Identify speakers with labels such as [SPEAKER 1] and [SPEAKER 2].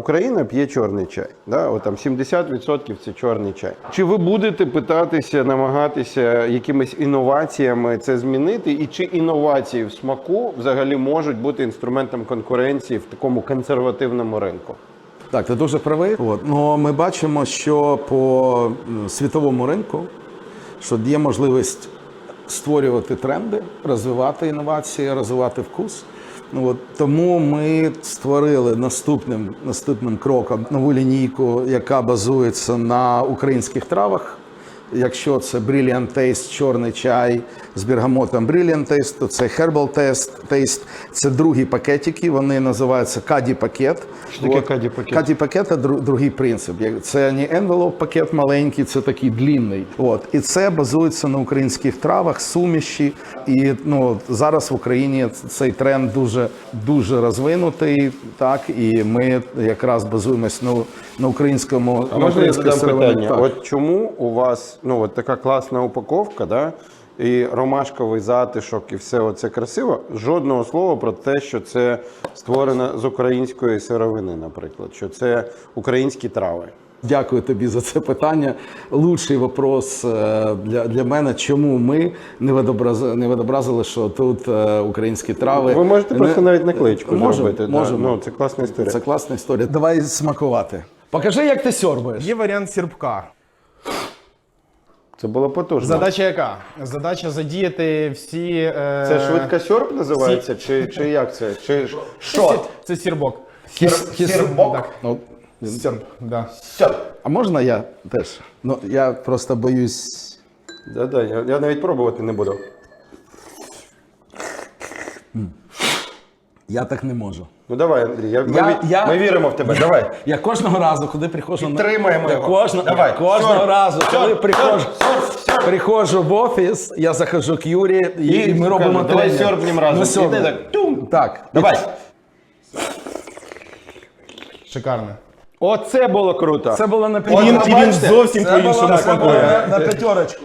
[SPEAKER 1] Україна п'є чорний чай. Да? От там 70% це чорний чай. Чи ви будете питатися, намагатися якимись інноваціями це змінити? І чи інновації в смаку взагалі можуть бути інструментом конкуренції в такому консервативному ринку?
[SPEAKER 2] Так, ти дуже правий. Ну, ми бачимо, що по світовому ринку, що є можливість створювати тренди, розвивати інновації, розвивати вкус. Тому ми створили наступним кроком нову лінійку, яка базується на українських травах. Якщо це Brilliant Taste, чорний чай з бергамотом Brilliant Taste, то це Herbal Taste. Це другі пакетики, вони називаються Каді-пакет.
[SPEAKER 1] Що таке Каді-пакет?
[SPEAKER 2] Каді-пакет – це другий принцип. Це не envelope-пакет маленький, це такий длинний. І це базується на українських травах, суміші. І зараз в Україні цей тренд дуже розвинутий. Так, і ми якраз базуємось на українському.
[SPEAKER 1] А можна я задам питання? Так. От чому у вас от така класна упаковка, да? І ромашковий затишок, і все оце красиво, жодного слова про те, що це створено з української сировини, наприклад, що це українські трави.
[SPEAKER 2] Дякую тобі за це питання. Лучший вопрос для мене, чому ми не відобразили, що тут українські трави.
[SPEAKER 1] Ви можете просто навіть наклеєчку зробити.
[SPEAKER 2] Можемо.
[SPEAKER 1] Це класна історія.
[SPEAKER 2] Це класна історія. Давай смакувати. Покажи, як ти сьорбаєш.
[SPEAKER 3] Є варіант сірбка.
[SPEAKER 1] Це було потужно.
[SPEAKER 3] Задача яка? Задача задіяти всі...
[SPEAKER 1] Це швидка сьорб називається? Чи як це?
[SPEAKER 3] Що? Це сірбок.
[SPEAKER 2] Сірбок?
[SPEAKER 3] Сірб, да.
[SPEAKER 2] А можна я теж? Я просто боюсь...
[SPEAKER 1] Да, я навіть пробувати не буду.
[SPEAKER 2] Я так не можу.
[SPEAKER 1] Ну давай, Андрій, ми віримо в тебе, давай.
[SPEAKER 2] Я кожного разу, коли приходжу...
[SPEAKER 1] Підтримаємо його.
[SPEAKER 2] Кожного разу, коли приходжу в офіс, я захожу к Юрі і ми робимо
[SPEAKER 1] давай сьорбнем разом.
[SPEAKER 2] Так.
[SPEAKER 1] Давай.
[SPEAKER 3] Шикарно.
[SPEAKER 1] Оце було круто.
[SPEAKER 2] Це було на
[SPEAKER 3] Він зовсім по-іншому смакує.
[SPEAKER 2] на п'ятерочку.